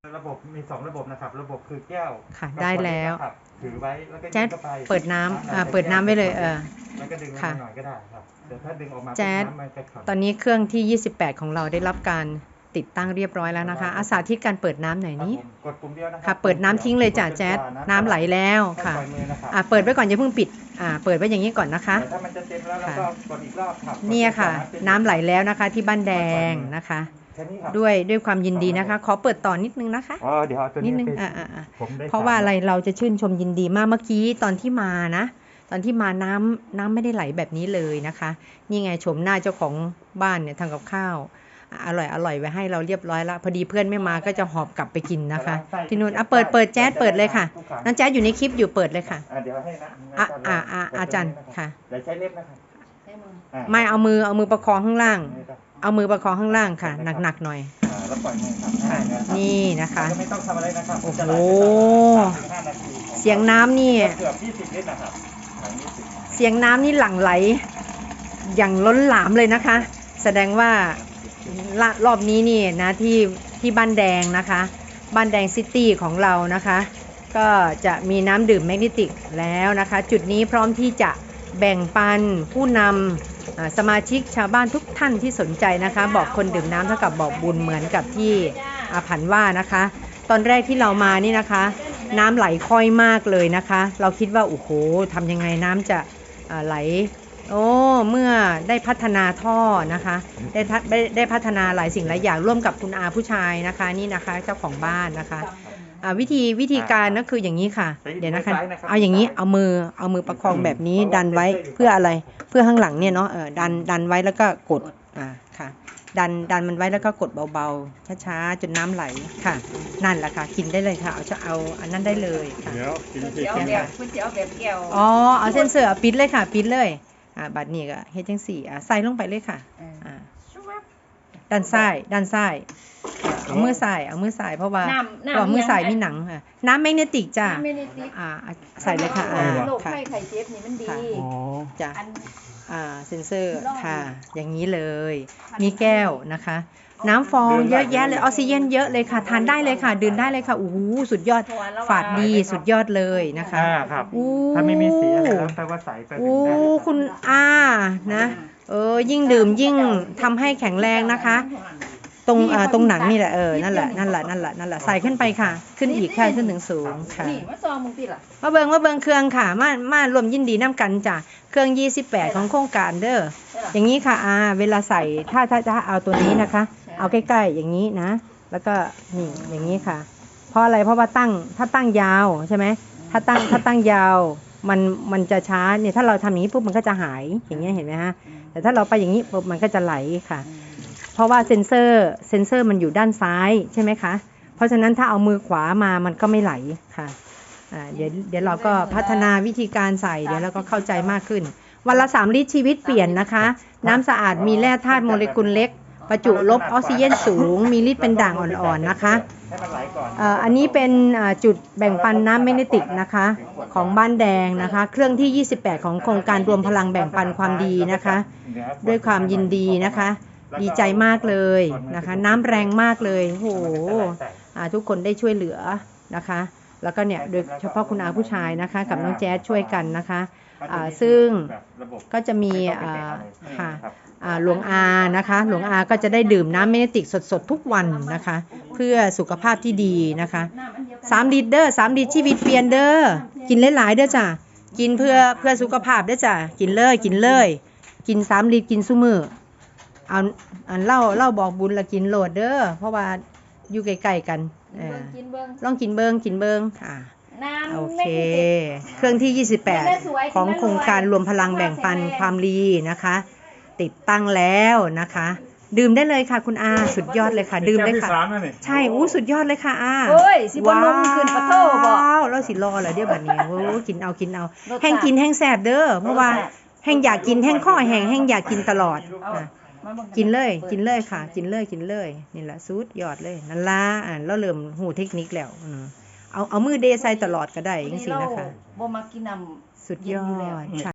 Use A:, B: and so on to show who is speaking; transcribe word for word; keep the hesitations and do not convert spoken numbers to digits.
A: ระบบมีสองระบบนะครับระบบคือแก้ว
B: ค่ะได้แล้ว
A: ถือไว้แล้วก็
B: แจ๊ดเปิดน้ำอ่าเปิดน้ำไว้เลยเออ
A: แล้วก็ดึงลงมาหน่อยก็ได้ครับแต่ถ้าดึงออกมา
B: แจ๊ดตอนนี้เครื่องที่ยี่สิบแปดของเราได้รับการติดตั้งเรียบร้อยแล้วนะคะอาสาที่การเปิดน้ำหน่อยนี้
A: กดปุ่มเดียวนะ
B: ค่ะเปิดน้ำทิ้งเลยจ้ะแจ๊ดน้ำไหลแล้วค่ะอ่าเปิดไว้ก่อนอย่าเพิ่งปิดอ่าเปิดไว้อย่างนี้ก่อนนะคะ
A: ถ้ามันจะเต็มแล้วเราก็กดอีกรอบครับ
B: นี่ค่ะน้ำไหลแล้วนะคะที่บ้านแดงนะคะด้วยด้วยความยินดีนะคะขอเปิดต่อนิดนึงนะคะ
A: อ๋อเดี๋ยวตัว
B: นิ
A: นี้
B: ดนึงอ่าอ่าเพราะว่าอะไรเราจะชื่นชมยินดีมากเมื่อกี้ตอนที่มานะตอนที่มาน้ำน้ำไม่ได้ไหลแบบนี้เลยนะคะนี่ไงชมหน้าเจ้าของบ้านเนี่ยทำกับข้าวอร่อยอร่อยไว้ให้เราเรียบร้อยแล้วพอดีเพื่อนไม่มาก็จะหอบกลับไปกินนะคะที่นู่นอ่ะเปิดเปิดแจ๊ดเปิดเลยค่ะน้องแจ๊ดอยู่ในคลิปอยู่เปิดเลยค่ะ
A: เดี๋ยวให้นะ
B: อ่ะอ่ะอ่ะอาจารย์ค่ะ
A: เดี๋ยวใช้เล็บนะครับ
B: ไม่เอามือเอามือประคองข้างล่างเอามือประคองข้างล่างค่ะหนักๆหน่อย
A: แล้วปล่อยมือครับ
B: นี่นะคะ
A: ไม่ต้องทำอะไรนะครับ
B: โอ้โหเสียงน้ำนี่
A: เกือบยี่สิบลิตรนะครับ
B: เสียงน้ำนี่หลั่งไหลอย่างล้นหลามเลยนะคะ แสดงว่ารอบนี้นี่นะที่ที่บ้านแดงนะคะบ้านแดงซิตี้ของเรานะคะก็จะมีน้ำดื่มแมกนีติกแล้วนะคะจุดนี้พร้อมที่จะแบ่งปันผู้นำสมาชิกชาวบ้านทุกท่านที่สนใจนะคะบอกคนดื่มน้ำเท่ากับบอกบุญเหมือนกับที่อาผันว่านะคะตอนแรกที่เรามานี่นะคะน้ำไหลค่อยมากเลยนะคะเราคิดว่าโอ้โหทำยังไงน้ำจะไหลโอ้เมื่อได้พัฒนาท่อนะคะได้ได้พัฒนาหลายสิ่งหลายอย่างร่วมกับคุณอาผู้ชายนะคะนี่นะคะเจ้าของบ้านนะคะวิธีวิธีการก็คืออย่างนี้ค่ะเดี๋ยวนะคะเอาอย่างนี้เอามือเอามือประคองแบบนี้ดันไว้เพื่ออะไรเพื่อข้างหลังเนี่ยเนาะเออดันดันไว้แล้วก็กดอ่าค่ะดันดันมันไว้แล้วก็กดเบาๆช้าๆจนน้ำไหลค่ะนั่นแหละค่ะกินได้เลยค่ะเอาจะเอาอันนั้นได้เลยค่ะ
A: เดี๋ยวกินสิ
B: คุณจะเอาแบบแก้วอ๋อเอาเส้นเสือปิดเลยค่ะปิดเลยอ่าบัดนี้ก็เฮ็ดจังสี่อ่าใส่ลงไปเลยค่ะอ่าด้านซ้ายด้านซ้ายเอามือใส่เอามือใส่เพราะว่าเพราะมือใส่มีหนังค่ะน้ำแมกเนติกจ้ะอ่าใส่เลยค่ะอ่า
C: โรคไข้ไข้เจ็บนี่มันดี
B: อ๋อจ้ะอ่าเซนเซอร์ค่ะอย่างนี้เลยมีแก้วนะคะน้ำฟองเยอะแยะเลยออกซิเจนเยอะเลยค่ะทานได้เลยค่ะดื่มได้เลยค่ะโอ้โหสุดยอดฝาดดีสุดยอดเลยนะคะ
A: อ่าครับถ้าไม่มีสีอะไรแล้วแปลว่าใสไปถึงได้
B: โอ้คุณอานะเออยิ่งดื่มยิ่งทำให้แข็งแรงนะคะตรงอ่าตรงหนังนี่แหละเออนั่นแหละนั่นแหละนั่นแหละนั่นแหละใส่ขึ้นไปค่ะขึ้นอีกค่ะขึ้นถึงสูงค่ะ
C: นี่มาซองมึงติล่ะ
B: มาเบิ่งมาเบิ่งเครื่องค่ะมามารวมยินดีน้ำกันจ้ะเครื่องยี่สิบแปดของโครงการเด้ออย่างนี้ค่ะอาเวลาใส่ถ้าถ้าถ้าเอาตัวนี้นะคะเอาใกล้ๆอย่างนี้นะแล้วก็นี่อย่างนี้ค่ะเพราะอะไรเพราะว่าตั้งถ้าตั้งยาวใช่ไหมถ้าตั้งถ้าตั้งยาวมันมันจะช้าเนี่ยถ้าเราทำอย่างนี้ปุ๊บมันก็จะหายอย่างเงี้ยเห็นไหมฮะแต่ถ้าเราไปอย่างนี้ปุ๊บมันก็จะไหลค่ะเพราะว่าเซ็นเซอร์เซ็นเซอร์มันอยู่ด้านซ้ายใช่ไหมคะเพราะฉะนั้นถ้าเอามือขวามามันก็ไม่ไหลค่ะอ่าเดี๋ยวเดี๋ยวเราก็พัฒนาวิธีการใส่เดี๋ยวเราก็เข้าใจมากขึ้นวันละสามลิตรชีวิตเปลี่ยนนะคะน้ำสะอาดมีแร่ธาตุโมเลกุลเล็กประจุลบออกซิเจนสูงมีฤทธิ์เป็นด่างอ่อนๆนะคะอันนี้เป็นจุดแบ่งปันน้ำแมกนีติกนะคะของบ้านแดงนะคะเครื่องที่ยี่สิบแปดของโครงการรวมพลังแบ่งปันความดีนะคะด้วยความยินดีนะคะดีใจมากเลยนะคะน้ำแรงมากเลยโอ้โหทุกคนได้ช่วยเหลือนะคะแล้วก็เนี่ยโดยเฉพาะคุณอาผู้ชายนะคะกับน้องแจ๊ดช่วยกันนะคะซึ่งก็จะมีค่ะหลวงอานะคะหลวงอาก็จะได้ดื่มน้ำแมกนีติกสดๆทุกวันนะคะเพื่อสุขภาพที่ดีนะคะสามลิตรเด้อสามลิตรชีวิตเปลี่ยนเด้อกินหลายๆเด้อจ้ะกินเพื่อเพื่อสุขภาพเด้อจ้ะกินเลยกินเลยกินสามลิตรกินซุมื้อเอาอันเล่าเล่าบอกบุญละกินโหลดเด้อเพราะว่าอยู่ใกล้ๆกันเออลองกินเบิ้งกินเบิ้งอ่าโอเคเครื่องที่ยี่สิบแปดของโครงการรวมพลังแบ่งปันความดีนะคะติดตั้งแล้วนะคะดื่มได้เลยค่ะคุณอาสุดยอดเลยค่ะดื่มได้ค่ะใช่อู้สุดยอดเลยค่ะอา
C: เฮ้ยสิบ่ลงขึ้นปะโถบ่
B: แล้วสิรอเหรอเดี๋ยวบัดนี้โอ้กินเอากินเอาแห้งกินแห้งแซ่บเด้อเพราะว่าแห้งอยากกินแห้งข้อแห้งแห้งอยากกินตลอดกินเลยกินเลยค่ะกินเลยกินเลยนี่แหละสุดยอดเลยนั่นล่ะอ่าแล้วเริ่มหูเทคนิคแล้วเอาเอามือเดใส่ตลอดก็ได้จังซี่นะคะ
C: บ่มักกินน้
B: ำสุดยอด